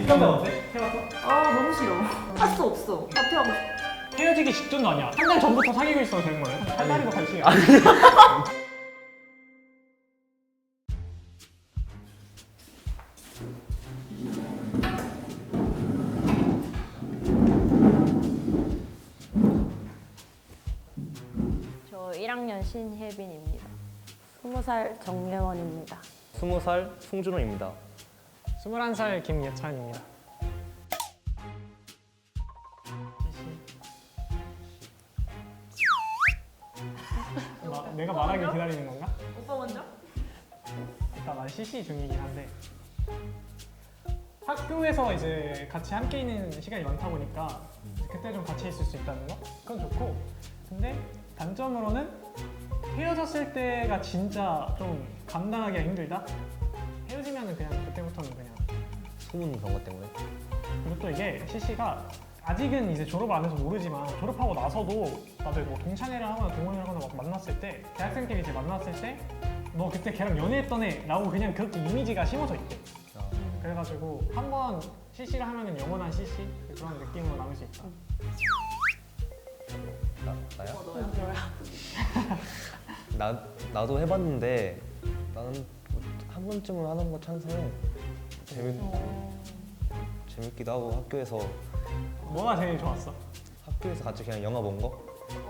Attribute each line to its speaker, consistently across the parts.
Speaker 1: 뒷감당 어때? 해봤어?
Speaker 2: 아 너무 싫어. 할 수 없어. 사퇴하고 싶어.
Speaker 1: 헤어지기 직전도 아니야. 한 달 전부터 사귀고 있어도 되는 거예요? 한 달이고 같이.
Speaker 3: 저 1학년 신혜빈입니다. 20살 정예원입니다.
Speaker 4: 20살 송준호입니다.
Speaker 1: 21살 김예찬입니다. 내가 말하길 기다리는 건가?
Speaker 2: 오빠 먼저?
Speaker 1: 일단 난 CC 중이긴 한데 학교에서 이제 같이 함께 있는 시간이 많다 보니까 그때 좀 같이 있을 수 있다는 거? 그건 좋고 근데 단점으로는 헤어졌을 때가 진짜 좀 감당하기가 힘들다? 헤어지면은 그냥 그때부터는 그냥
Speaker 4: 소문 그런 것 때문에.
Speaker 1: 그리고 또 이게 CC가 아직은 이제 졸업을 안 해서 모르지만 졸업하고 나서도 나도 뭐 동창회를 하거나 동호회를 하거나 막 만났을 때 대학생끼리 이제 만났을 때 너 그때 걔랑 연애했던 애 라고 그냥 그렇게 이미지가 심어져 있대. 그래가지고 한번 CC를 하면은 영원한 CC 그런 느낌으로 남을 수 있다.
Speaker 4: 나야?
Speaker 2: 너야.
Speaker 4: 나도 해봤는데 나는 한 번쯤은 하는 거 찬성해. 재밌기도 하고
Speaker 1: 뭐가 제일 좋았어?
Speaker 4: 학교에서 같이 그냥 영화 본 거?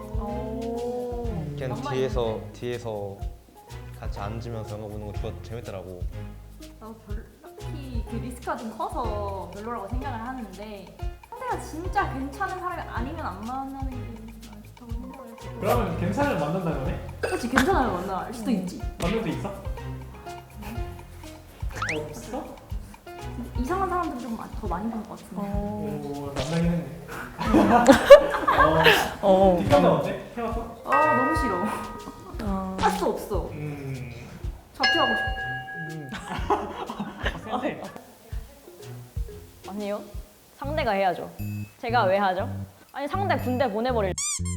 Speaker 4: 그냥
Speaker 2: 낭만
Speaker 4: 뒤에서 같이 앉으면서 영화 보는 거 재밌더라고.
Speaker 2: 나도 딱히 그 리스크가 좀 커서 별로라고 생각을 하는데 상대가 진짜 괜찮은 사람이 아니면 안 만나는 게 좋다고 생각을 해서.
Speaker 1: 그러면 괜찮으면 만난다는 거네?
Speaker 2: 그렇지 괜찮아요 만날 수도 있지.
Speaker 1: 만날 수 있어? 없어?
Speaker 2: 이상한 사람들 좀 더 많이 본 것 같은데.
Speaker 1: 오 만나긴 했네. 뒷감당 어때? 해봤어?
Speaker 2: 아 너무 싫어. 할 수 없어. 자퇴하고 싶어.
Speaker 1: 센데?
Speaker 3: 아니요. 상대가 해야죠. 제가 왜 하죠? 아니 상대 군대 보내버릴.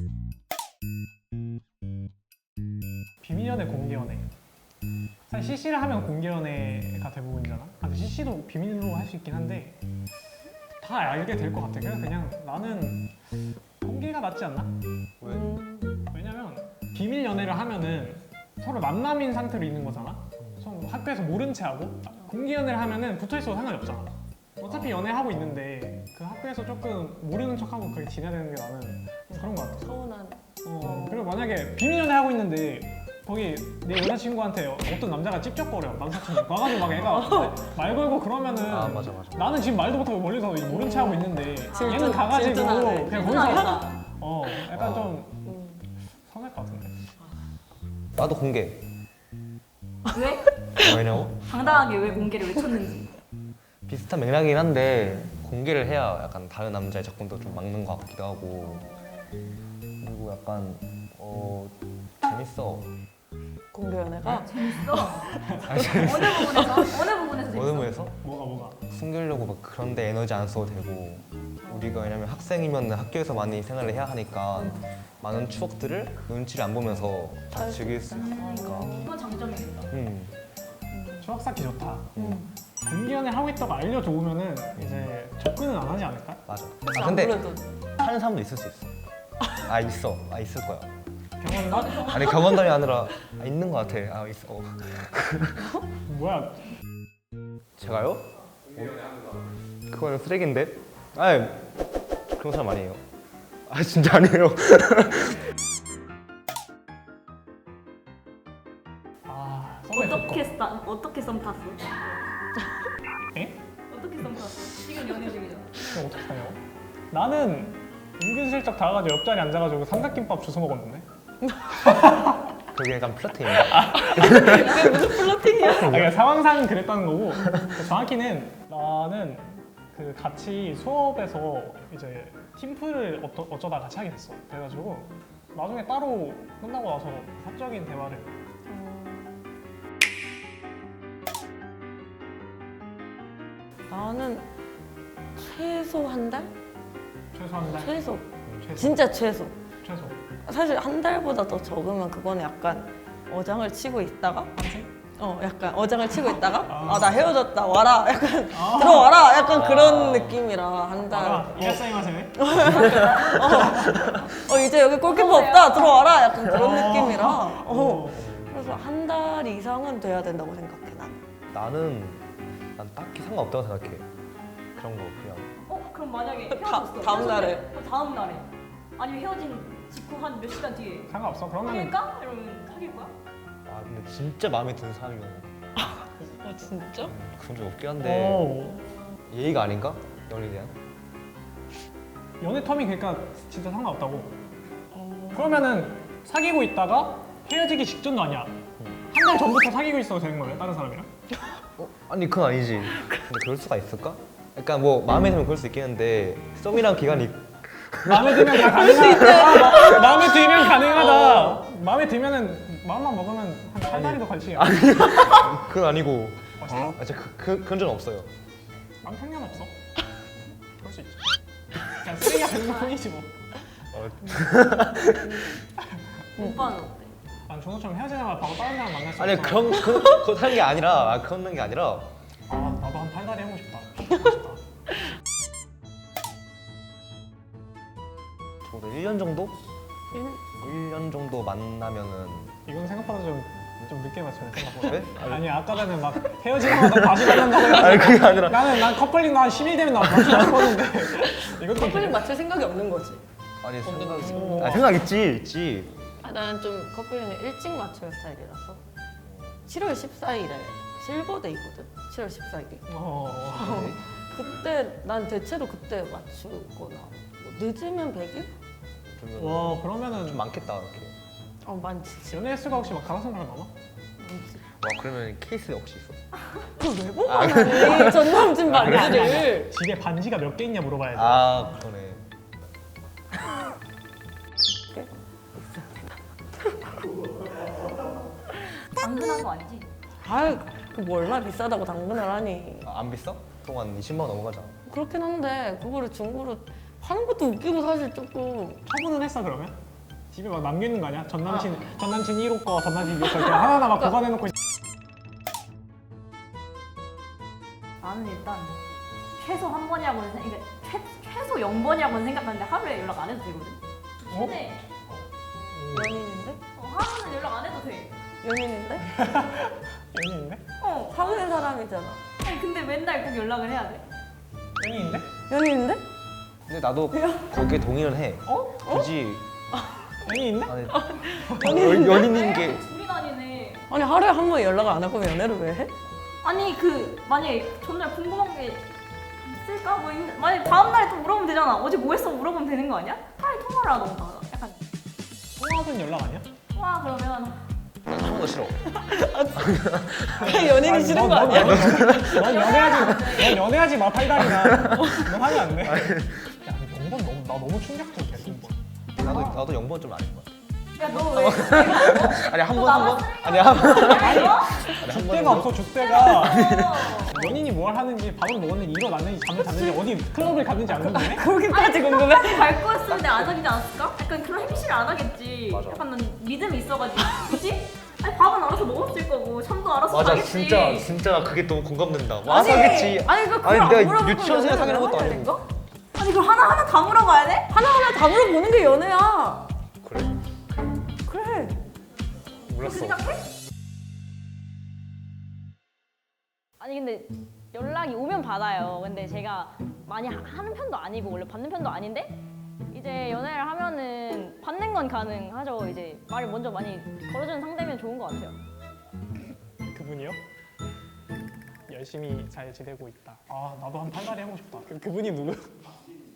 Speaker 1: 비밀연애, 공개연애. 사실 CC를 하면 공개연애가 대부분이잖아. 근데 CC도 비밀로 할 수 있긴 한데 다 알게 될 것 같아. 그래서 그냥 나는 공개가 낫지 않나?
Speaker 4: 왜?
Speaker 1: 왜냐면 비밀 연애를 하면은 서로 만남인 상태로 있는 거잖아. 서로 학교에서 모른 채 하고 공개 연애를 하면은 붙어 있어도 상관이 없잖아. 어차피 연애하고 있는데 그 학교에서 조금 모르는 척하고 그렇게 지내야 되는 게 나는 좀 그런 것 같아.
Speaker 3: 서운한.
Speaker 1: 그리고 만약에 비밀 연애 하고 있는데 거기 내 여자친구한테 어떤 남자가 찝쩍거려 남사친이 와가지고 막 애가 말 걸고 그러면은
Speaker 4: 아 맞아.
Speaker 1: 나는 지금 말도 못하고 멀리서 모른 체 하고 있는데
Speaker 3: 질투,
Speaker 1: 얘는 가가지고
Speaker 3: 질투나네.
Speaker 1: 그냥 거기서
Speaker 2: 질투나겠다.
Speaker 1: 약간 좀 서운할 것 같은데.
Speaker 4: 나도 공개.
Speaker 2: 왜?
Speaker 4: 왜냐고?
Speaker 2: 당당하게 왜 공개를 외쳤는지.
Speaker 4: 비슷한 맥락이긴 한데 공개를 해야 약간 다른 남자의 접근도 좀 막는 것 같기도 하고 그리고 약간 재밌어.
Speaker 3: 공개 연애가?
Speaker 2: 재밌어? 어느 부분에서? 어느 부분에서 재밌어?
Speaker 4: 어느 부에서
Speaker 1: 뭐가?
Speaker 4: 숨기려고 막 그런데 에너지 안 써도 되고 우리가 왜냐면 학생이면 학교에서 많이 생활을 해야 하니까 많은 추억들을 눈치를 안 보면서 다 즐길 수 있으니까.
Speaker 2: 그건 장점이겠다.
Speaker 1: 추억 쌓기 좋다. 공개 연애 하고 있다고 알려줘 오면은 이제 접근은 안 하지 않을까?
Speaker 4: 맞아.
Speaker 3: 그치,
Speaker 4: 근데
Speaker 3: 아무래도.
Speaker 4: 하는 사람도 있을 수 있어. 있을 거야.
Speaker 1: 경험담?
Speaker 4: 아니 경험담이 아니라 있는 것 같아. 있어.
Speaker 1: 뭐야?
Speaker 4: 제가요? 그거는 쓰레기인데? 아니 그런 사람 아니에요. 진짜 아니에요.
Speaker 2: 어떻게 썸 탔어?
Speaker 1: 에?
Speaker 2: 어떻게 썸 탔어? 지금 연애 중이잖아.
Speaker 1: 그럼 어떻게 하냐고? 나는 은근슬쩍 다가가지고 옆자리 앉아가지고 삼각김밥 주워 먹었는데.
Speaker 4: 그게 약간 플러팅인가?
Speaker 3: 이게 무슨 플러팅이야?
Speaker 1: 그러니까 상황상 그랬다는 거고 정확히는 나는 그 같이 수업에서 이제 팀플을 어쩌다 같이 하게 됐어. 그래가지고 나중에 따로 끝나고 나서 사적인 대화를
Speaker 3: 나는 최소 한 달?
Speaker 1: 최소 한 달?
Speaker 3: 최소.
Speaker 1: 최소.
Speaker 3: 진짜 최소.
Speaker 1: 최소.
Speaker 3: 사실 한 달보다 더 적으면 그거는 약간 어장을 치고 있다가
Speaker 1: 한생?
Speaker 5: 약간 어장을 치고 있다가 나 헤어졌다 와라 약간 들어와라 약간 그런 느낌이라 한 달.
Speaker 1: 아, 이라사이마세.
Speaker 5: 이제 여기 골키퍼 없다 들어와라 약간 그런
Speaker 1: 어.
Speaker 5: 느낌이라.
Speaker 1: 어.
Speaker 5: 그래서 한 달 이상은 돼야 된다고 생각해 난.
Speaker 4: 난 딱히 상관없다고 생각해. 그런 거 그냥.
Speaker 2: 그럼 만약에
Speaker 5: 다-
Speaker 2: 헤어졌어.
Speaker 5: 다음 날에.
Speaker 2: 그럼 다음 날에. 아니면 헤어진 직후 한 몇 시간 뒤에.
Speaker 1: 상관없어. 그러면
Speaker 2: 사귈까? 이러면 사귈 거야?
Speaker 4: 아 근데 진짜 마음에 드는 사람이면
Speaker 5: 진짜?
Speaker 4: 그런 적 없긴 한데
Speaker 1: 오.
Speaker 4: 예의가 아닌가? 연애에 대한?
Speaker 1: 연애 텀이 그러니까 진짜 상관없다고. 그러면은 사귀고 있다가 헤어지기 직전도 아니야. 한 달 전부터 사귀고 있어도 되는 거예요? 다른 사람이랑?
Speaker 4: 아니 그건 아니지. 근데 그럴 수가 있을까? 약간 뭐 마음에 들면 그럴 수 있겠는데 썸이랑 기간이
Speaker 1: 마음에 들면 다 가능하다. 마음에 들면 가능하다. 마음에 들면은 마음만 먹으면 한 8달이도 걸치게.
Speaker 4: 그건 아니고
Speaker 1: 진짜?
Speaker 4: 진짜 그런 적은 없어요.
Speaker 1: 난 상관없어. 그럴 수 있지. 그냥 쓰레기가 되는 뿐이지 뭐.
Speaker 2: 오빠는 어때?
Speaker 1: 난 준호처럼 헤어지자마자 바로 다른 사람 만날 수
Speaker 4: 아니
Speaker 1: 없어.
Speaker 4: 그거 하는 게 아니라 그런 게 아니라
Speaker 1: 아 나도 한 8달이 해보고 싶다.
Speaker 4: 저도 1년 정도? 1년 정도 만나면은
Speaker 1: 이건 생각보다 좀 늦게 맞춰요 생각보다.
Speaker 4: 왜?
Speaker 1: 아니 아까 전에 막 헤어지자마자 다시 만난다고 해가지고
Speaker 4: 아니 그게 아니라
Speaker 1: 난 커플링 한 10일 되면 나 맞추고 싶었는데 이것도
Speaker 5: 커플링 맞출 생각이 없는 거지.
Speaker 4: 아니
Speaker 1: 오.
Speaker 4: 생각 있지.
Speaker 5: 나는 좀 커플링을 일찍 맞추는 스타일이라서 7월 14일에 실버데이거든. 7월 14일이. 그때 난 대체로 그때 맞추거나 뭐 늦으면 100일?
Speaker 4: 그러면
Speaker 1: 와 그러면은
Speaker 4: 좀 많겠다 이렇게.
Speaker 5: 많지.
Speaker 1: 연애 횟수가 혹시 막 다섯 명을 넘어?
Speaker 4: 와 그러면 케이스 혹시 있어?
Speaker 5: 그걸 왜 보관하니? 전 남친 반지를.
Speaker 1: 집에 반지가 몇 개 있냐 물어봐야 돼.
Speaker 4: 아 그러네.
Speaker 2: 당근한 거 아니지?
Speaker 5: 그뭐 얼마나 비싸다고 당근을 하니.
Speaker 4: 안 비싸? 동안 20만 원 넘어가잖아.
Speaker 5: 그렇긴 한데 그거를 중고로 파는 것도 웃기고 사실 조금.
Speaker 1: 처분은 했어 그러면? 집에 막 남겨있는 거 아니야? 전 남친 1호 거, 전 남친 2호 거 이렇게 하나하나 막 보관해놓고
Speaker 2: 나는 일단 최소 한 번이라고는 그러니까 최소 0번이라고는 생각하는데 하루에 연락 안 해도 되거든.
Speaker 1: 어?
Speaker 2: 근데
Speaker 5: 연인인데?
Speaker 2: 하루는 연락 안 해도 돼.
Speaker 5: 연인인데?
Speaker 1: 연인인데?
Speaker 5: 사귀는 사람이잖아.
Speaker 2: 아니 근데 맨날 꼭 연락을 해야 돼.
Speaker 1: 연인인데?
Speaker 5: 연인인데?
Speaker 4: 근데 나도 거기에 동의를 해. 굳이
Speaker 1: 연인인데?
Speaker 4: 아니 연인인 게
Speaker 2: 둘이 다니네.
Speaker 5: 아니 하루에 한 번 연락을 안 할 거면 연애를 왜 해?
Speaker 2: 아니 만약에 전날 궁금한 게 있을까? 만약에 다음 날에 또 물어보면 되잖아. 어제 뭐 했어? 물어보면 되는 거 아니야? 차라리 통화를 안 하고 약간
Speaker 1: 통화는 연락 아니야?
Speaker 2: 통화 그러면
Speaker 4: 한 번도 싫어.
Speaker 5: 그냥 연인이 싫은 거 아니야?
Speaker 1: 넌 연애하지 마 팔다리나. 넌 하면 안 돼. 야 0번 나 너무 충격적이야 0번.
Speaker 4: 나도 0번 좀 아닌 것 같아.
Speaker 2: 야너 왜?
Speaker 4: 아니 한
Speaker 2: 너
Speaker 4: 번?
Speaker 2: 남았어?
Speaker 4: 아니 한 번?
Speaker 2: 아니 너?
Speaker 1: 줏대가 없어 줏대가.
Speaker 2: 어.
Speaker 1: 연인이 뭘 하는지 밥을 먹었는지 일어났는지 잠을 잤는지 어디 클럽을 갔는지 안 궁금해?
Speaker 5: 거기까지 궁금해?
Speaker 2: 갈 거였으면 안 하지 않았을까? 약간 그런 행실을 안 하겠지.
Speaker 4: 맞아.
Speaker 2: 약간 난 믿음이 있어가지고. 그치? 아니 밥은 알아서 먹었을 거고 잠도 알아서
Speaker 4: 맞아
Speaker 2: 자겠지.
Speaker 4: 진짜 그게 너무 공감된다. 와서 하겠지.
Speaker 5: 아니 그거
Speaker 4: 아니
Speaker 5: 안
Speaker 4: 내가
Speaker 5: 물어보고
Speaker 4: 유치원생활 사귀는 것도
Speaker 5: 연애를
Speaker 4: 아니고.
Speaker 5: 해야 되는 거?
Speaker 2: 아니 그걸 하나하나 다 물어봐야 돼?
Speaker 5: 하나하나 다 물어보는 게 연애야.
Speaker 4: 그래?
Speaker 5: 그래.
Speaker 4: 몰랐어.
Speaker 2: 생각해?
Speaker 3: 아니 근데 연락이 오면 받아요. 근데 제가 많이 하는 편도 아니고 원래 받는 편도 아닌데 이제 연애를 하면은 받는 건 가능하죠. 이제 말을 먼저 많이 걸어주는 상대면 좋은 것 같아요.
Speaker 1: 그분이요? 열심히 잘 지내고 있다. 아 나도 한 팔다리 하고 싶다. 그분이 누구?